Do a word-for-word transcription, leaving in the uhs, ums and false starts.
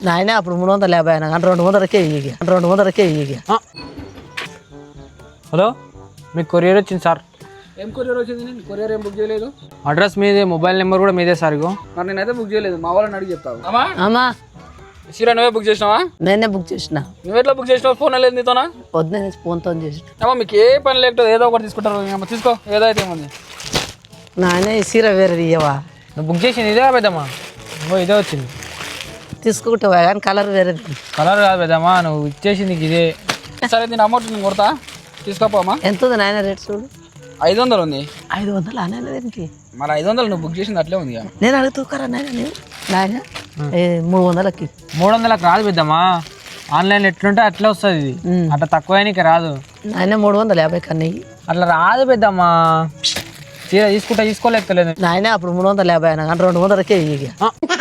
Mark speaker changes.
Speaker 1: నాయనే అప్పుడు మూడు వందల యాభై అయినా కానీ రెండు వందలకే ఇయ్యి రెండు వందలకే ఇయ్యి.
Speaker 2: హలో మీకు కొరియర్ వచ్చింది సార్.
Speaker 3: ఏం కొరియర్ వచ్చింది? నేను కొరియర్ ఏం బుక్ చేయలేదు.
Speaker 2: అడ్రస్ మీదే, మొబైల్ నెంబర్ కూడా మీదే సార్. ఇగో
Speaker 3: మరి నేనైతే బుక్ చేయలేదు. మా వాళ్ళని అడిగి చెప్తావు. అమ్మా
Speaker 1: అమ్మా
Speaker 3: సీరా నువ్వే బుక్ చేసినావా?
Speaker 1: నేనే బుక్ చేసిన.
Speaker 3: నువ్వు ఎట్లా బుక్ చేసినావు? ఫోన్ లేదు నీతోనా?
Speaker 1: పొద్దునే ఫోన్తో చేసిన.
Speaker 3: అమ్మా మీకు ఏ పని లేకపోతే ఏదో ఒకటి తీసుకుంటారు. అమ్మ తీసుకో, ఏదైతే ఏముంది.
Speaker 1: నాయనే ఈ సీర వేరే ఇయ్యవా?
Speaker 2: నువ్వు బుక్ చేసింది ఇదే పెద్దమ్మా. ఇంకో ఇదే వచ్చింది.
Speaker 1: తీసుకుంటావా కానీ కలర్ వేరే.
Speaker 2: కలర్ కాదు పెద్దమ్మా, నువ్వు ఇచ్చేసింది ఇదే.
Speaker 3: సరే నేను అమౌంట్ నేను కొడతా, తీసుకోపోమ్మా.
Speaker 1: ఎంత ఉంది నాయన రేట్ చూడు?
Speaker 3: ఐదు వందలు ఉంది.
Speaker 1: ఐదు వందలు నాయన దీనికి?
Speaker 3: మరి ఐదు వందలు నువ్వు బుక్ చేసింది అట్లే ఉంది.
Speaker 1: నేను అడుగుతారా నాయన? నేను నాయన మూడు వందలకి.
Speaker 2: మూడు వందలకు రాదు పెద్దమ్మా, ఆన్లైన్ ఎట్లుంటే అట్లే వస్తుంది. ఇది అట్లా తక్కువ నీకు రాదు.
Speaker 1: నాయన మూడు వందల యాభై కన్నా
Speaker 2: అట్లా రాదు పెద్దమ్మా. చీర తీసుకుంటా తీసుకోలేకలేదు
Speaker 1: నాయన అప్పుడు మూడు వందల యాభై అయినా కానీ రెండు వందలకే ఇయ్యి.